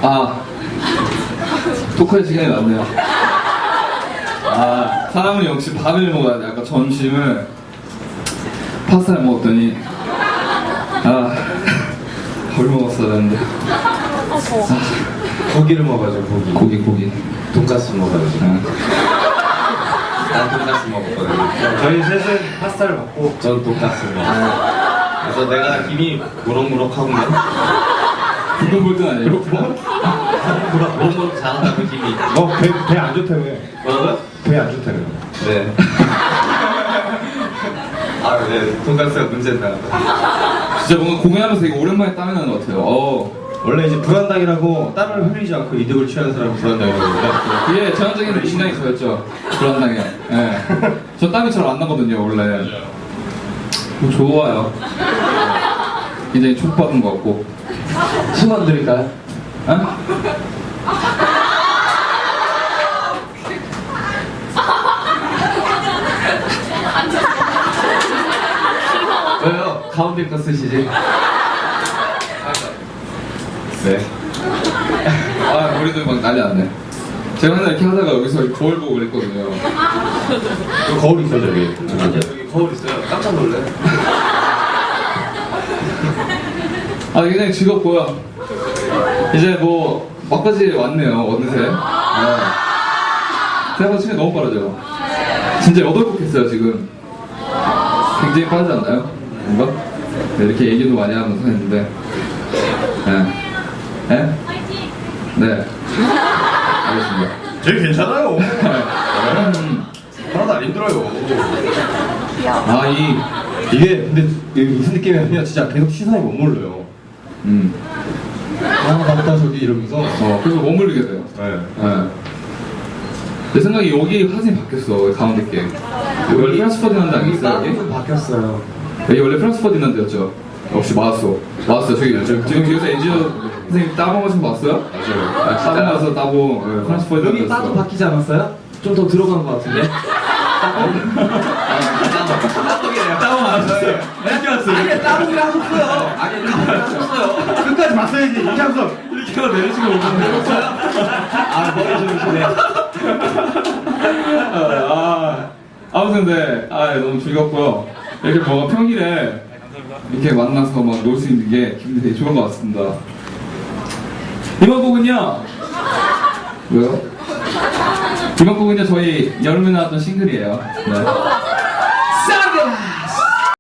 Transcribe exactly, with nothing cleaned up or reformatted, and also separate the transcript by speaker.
Speaker 1: 아, 토크할 시간이 났네요. 아, 사람은 역시 밥을 먹어야 돼. 아까 점심을 파스타를 먹었더니 아, 밥을 먹었어야 되는데.
Speaker 2: 아, 고기를 먹어야죠. 고기.
Speaker 1: 고기 고기.
Speaker 2: 돈가스 먹어야죠.
Speaker 1: 아.
Speaker 2: 난 돈가스 먹었거든요. 저희 셋은 파스타를 먹고 전 돈가스를 먹었어요. 그래서 내가 힘이 무럭무럭하구만.
Speaker 1: 그건 볼땐 아니에요.
Speaker 2: 무럭무럭 잘한다고 힘이.
Speaker 3: 어, 배, 배 안 좋다며.
Speaker 2: 뭐라고요?
Speaker 3: 배 안 좋다며.
Speaker 2: 네. 아, 네. 돈가스가 문제다.
Speaker 1: 진짜 뭔가 공연하면서 되게 오랜만에 땀이 나는 것 같아요. 어.
Speaker 3: 원래 이제 불안당이라고 땀을 흘리지 않고 이득을 취하는 사람을 불안당이라고 그러는데
Speaker 1: 그게 전형적인 신앙이 저였죠. 불안당해. 예. 저 땀이 잘 안 나거든요, 원래. 뭐 좋아요. 굉장히 축복받은 것 같고.
Speaker 3: 수건 드릴까요?
Speaker 1: 어?
Speaker 2: 왜요? 가운데 거 쓰시지? 네.
Speaker 1: 아, 우리도 막 난리 났네. 제가 맨날 이렇게 하다가 여기서 거울 보고 그랬거든요.
Speaker 3: 여기 거울 있어 저기.
Speaker 2: 맞아요. 여기 거울 있어요. 깜짝 놀래.
Speaker 1: 아, 굉장히 즐겁고요. 이제 뭐 막바지 왔네요, 어느새. 네. 생각보다 시간이 너무 빠르죠. 진짜 여덟 곡 했어요, 지금. 굉장히 빠르지 않나요? 뭔가? 네, 이렇게 얘기도 많이 하면서 했는데. 네. 네? 네. 알겠습니다.
Speaker 3: 제일 괜찮아요.
Speaker 1: 음.
Speaker 3: 하나도 안 힘들어요.
Speaker 1: 아, 이.
Speaker 3: 이게 근데 이게 무슨 느낌이냐면 진짜 계속 시선이 머물러요.
Speaker 1: 음.
Speaker 3: 아 맞다 저기 이러면서.
Speaker 1: 어, 그래서 머물리게 돼요.
Speaker 3: 네.
Speaker 1: 네. 내 생각에 여기 화장이 바뀌었어, 가운데 게. 여기 원래 프랑스 퍼디난드 안 있어요, 여기?
Speaker 2: 좀 바뀌었어요.
Speaker 1: 여기 원래 프랑스 퍼디난드였죠? 역시 맞았어. 맞았어. 저기, 저, 지금 뒤에서 엔지니어 선생님 따봉 하신 거 봤어요?
Speaker 3: 맞아요.
Speaker 1: 아, 따봉 가서 따봉. 네, 프랑스 퍼디난드.
Speaker 2: 여기 따도 바뀌지 않았어요? 좀 더 들어간 것 같은데? 따봉이래요.
Speaker 1: 따봉 안 하셨어요? 어떻게 왔어요?
Speaker 2: 아니, 따봉을 하셨어요. 아니, 따봉을 하셨어요.
Speaker 3: 끝까지 봤어야지 이창섭.
Speaker 1: 이렇게 하고 내리시고 오셨어요?
Speaker 2: 아, 머리 좋으시네.
Speaker 1: 아, 아무튼 네, 아, 너무 즐겁고요. 이렇게 뭔가 평일에 이렇게 만나서 막 놀 수 있는 게 기분이 되게 좋은 것 같습니다. 이번 곡은요. 왜요? 이번 곡은요 저희 여름에 나왔던 싱글이에요. 네.